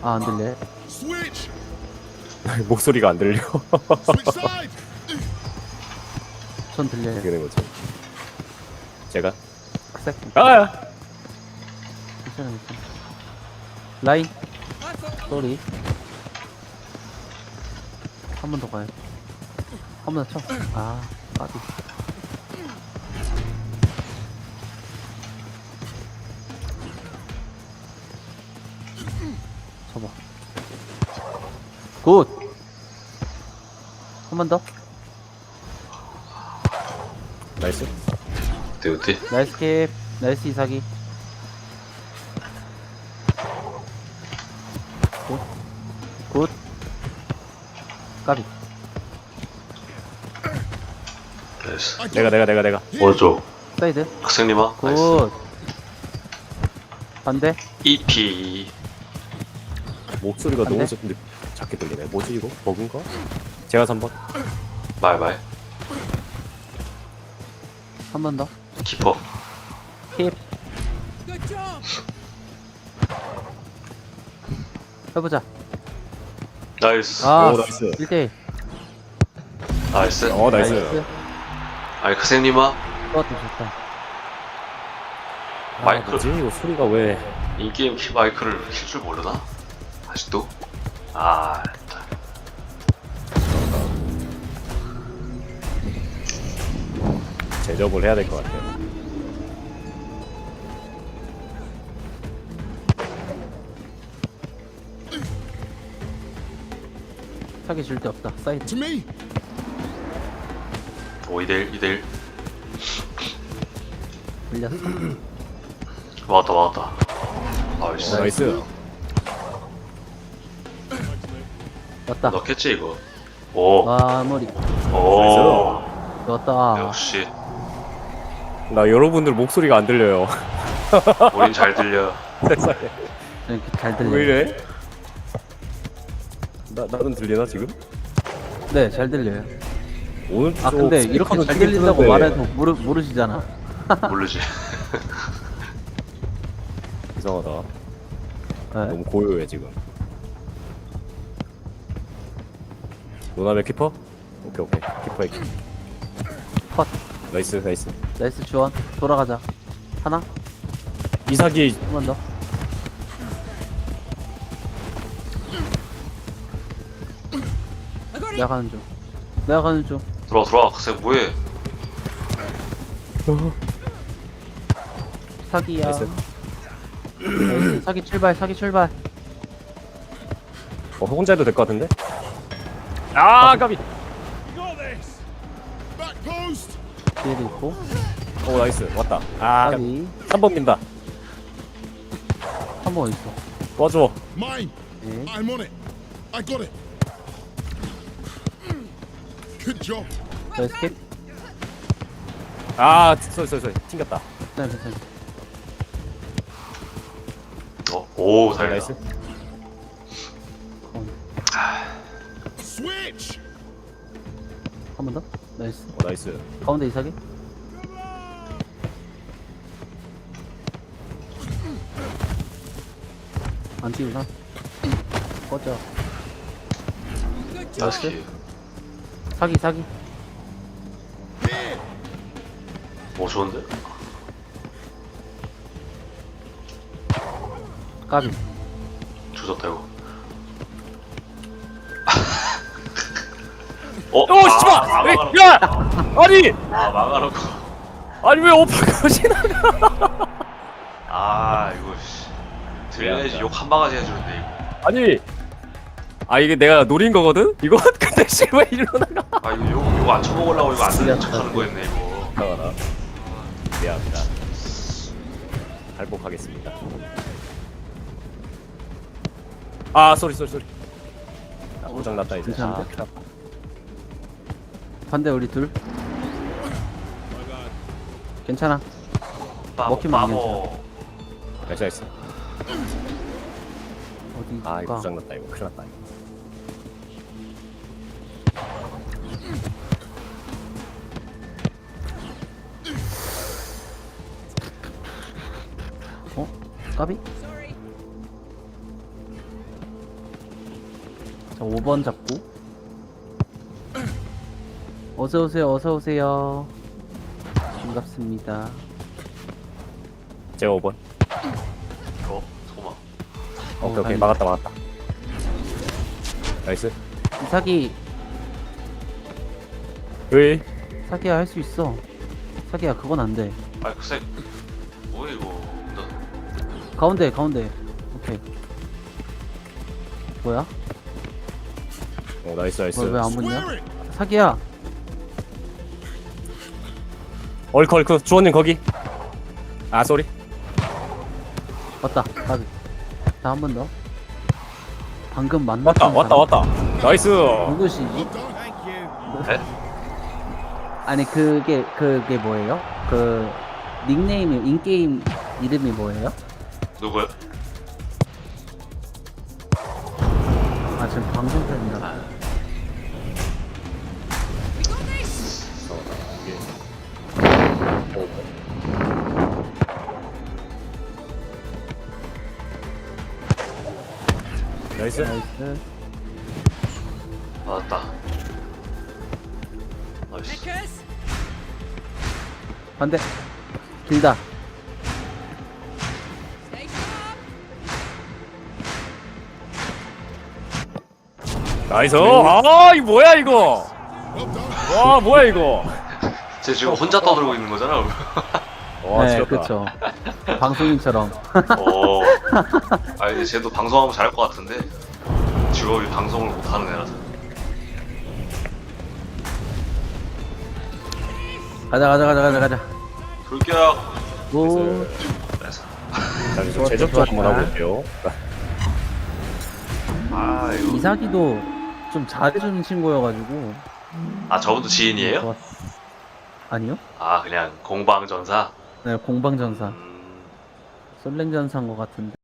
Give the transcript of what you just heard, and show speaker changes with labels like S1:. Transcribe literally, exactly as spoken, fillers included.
S1: 아, 안 들려.
S2: Switch.
S3: 목소리가 안 들려.
S2: Switch side.
S1: 전 들려요.
S3: 어떻게 된 거지? 제가
S1: 색.
S3: 아!
S1: 괜찮아, 괜찮아. 라인. 쏘리. 한 번 더 가요. 한 번 더 쳐. 아, 까비. 쳐봐. 굿! 한 번 더.
S3: 나이스.
S4: 어때 어때?
S1: 나이스 캡. 나이스 이사기. 굿. 굿. 까비.
S4: 됐어.
S3: 내가 내가 내가 내가.
S4: 뭐죠?
S1: 사이드.
S4: 학생님아. 나이스.
S1: 굿. 반대.
S4: 이피.
S3: 목소리가
S1: 안
S3: 너무
S1: 돼?
S3: 작- 근데 작게 들리네. 뭐지 이거? 버그인가? 제가 삼 번.
S4: 말말.
S1: 한 번 더.
S4: 키퍼.
S1: 힙. 해보자.
S4: 나이스.
S1: 아,
S3: 오, 나이스.
S1: 일 대 일.
S4: 나이스.
S3: 어 나이스.
S4: 아니 학생님아.
S1: 그것도 좋다.
S3: 아,
S4: 마이크.
S3: 뭐지 이거 소리가 왜?
S4: 인게임 키 마이크를 킬 줄 모르나? 아직도? 아.
S3: 제접을 해야 될 것 같아요.
S1: 사기 줄 데 없다. 사이드.
S2: To me.
S4: 오 이대일 이대일.
S1: 밀렸어.
S4: 왔다 왔다. 나이스.
S3: 어, 나이스.
S1: 왔다.
S4: 넣겠지 이거. 오.
S1: 와, 머리.
S4: 오.
S1: 왔다.
S4: 역시
S3: 나 여러분들 목소리가 안 들려요.
S4: 우린 잘 들려.
S3: 세상에.
S1: 이렇게 잘 들려.
S3: 왜 이래? 나 나는 들리나 지금?
S1: 네, 잘 들려요.
S3: 오늘
S1: 아, 근데 이렇게 잘 들린다고 말해도 모르, 모르시잖아.
S4: 모르지.
S3: 이상하다.
S1: 네.
S3: 너무 고요해 지금. 노남의 키퍼? 오케이 오케이. 키퍼의 키.
S1: 컷.
S3: 나이스 나이스.
S1: 나이스 주원. 돌아가자. 하나?
S3: 이삭이
S1: 한 번 더. 내가 가는 중. 내가 가는 중.
S4: 들어와 들어와. 학생 뭐해?
S1: 사기야.
S3: 나이스.
S1: 나이스. 사기 출발, 사기 출발.
S3: 어 혼자 해도 될 것 같은데? 아 까비.
S2: You got this. Back post.
S1: 뒤에도 있고.
S3: 오 나이스 왔다. 아
S1: 사기.
S3: 삼 번 민다.
S1: 한 번 있어.
S3: 도와줘.
S2: Mine.
S1: 네.
S2: I'm on it. I got it. Good job.
S1: 나이스 캡.
S3: 아 쏘리 쏘리 쏘리 튕겼다.
S1: 괜찮아, 괜찮아.
S4: 어, 오
S3: 아,
S4: 달려.
S3: 나이스.
S2: Switch.
S1: 한 번 더. 나이스.
S3: 어 나이스.
S1: 가운데 이사기. 안 띄우나? 꺼져.
S4: 나이스.
S1: 사기, 사기.
S4: 오 좋은데?
S1: 까비.
S4: 조졌다 이거. 어?
S3: 오 씨발!
S4: 아,
S3: 에이,
S4: 망하라고.
S3: 야! 아니!
S4: 아 망하라고.
S3: 아니 왜 오빠가 지나가?
S4: 아 이거 씨. 들려야지
S3: 미안하다.
S4: 욕 한 바가지 해주는데 이거.
S3: 아니 아 이게 내가 노린 거거든? 이거? 근데 씨왜 이리로 나가?
S4: 아 이거 욕 욕 안 쳐먹으려고 이거 안 듣는
S1: 미안하다.
S4: 척하는 거였네 이거.
S3: 나가라. 미안합니다. 발복하겠습니다. 아 쏘리 쏘리 쏘리. 아, 고장 났다 이제.
S1: 괜찮은데?
S3: 아, 큰일 났다.
S1: 반대 우리 둘. 괜찮아.
S4: 바보,
S1: 먹히면 안
S4: 바보.
S3: 나이스 나이스.
S1: 어디
S3: 아 이거
S1: 가?
S3: 고장 났다 이거. 큰일 났다 이거.
S1: 어? 까비? 자, 오 번 잡고. 어서오세요, 어서오세요. 반갑습니다.
S3: 제가 오 번.
S4: 어 잠깐만.
S3: 오케이 오케이
S1: 다행이다.
S3: 막았다 막았다. 나이스.
S1: 사기,
S3: 으이.
S1: 사기야 할 수 있어. 사기야, 그건 안 돼.
S4: 아이 글쎄 뭐야 이거. 나
S1: 가운데, 가운데. 오케이. 뭐야?
S3: 오 나이스 나이스.
S1: 왜 안 붙냐?
S2: Swear it!
S1: 사기야.
S3: 얼크 얼크 주원님 거기. 아 쏘리.
S1: 왔다. 가비. 자, 한 번 더. 방금 만났던
S3: 왔다 왔다
S1: 사람.
S3: 왔다. 나이스.
S1: 누구시지?
S2: Well done. Thank you.
S4: 네?
S1: 아니, 그게, 그게 뭐예요? 그, 닉네임이, 인게임 이름이 뭐예요?
S4: 누구야?
S1: 아, 지금 방송 중이라.
S3: 나이스.
S1: 나이스.
S4: 맞았다. 나이스.
S1: 반대. 길다.
S3: 나이스. 아 이거 뭐야 이거.
S2: Well done.
S3: 와 뭐야 이거.
S4: 쟤 지금 혼자 떠들고 있는 거잖아.
S3: 와
S1: 네,
S3: 지렸다.
S1: 그쵸. 방송인처럼.
S4: 어. 아 근데 쟤도 방송하면 잘할 것 같은데 직업이 방송을 못하는 애라서.
S1: 가자, 가자, 가자, 가자, 가자.
S4: 돌격.
S1: 오,
S4: 그래서
S3: 자 이제
S1: 좋았다,
S3: 제접 좀 한번
S1: 좋았다.
S3: 해볼게요.
S4: 아 이거
S1: 이사기도 좀 잘해주는 친구여가지고.
S4: 아 저분도 지인이에요?
S1: 좋았어. 아니요?
S4: 아 그냥 공방전사.
S1: 네, 공방전사.
S4: 음,
S1: 솔랭전사인 것 같은데.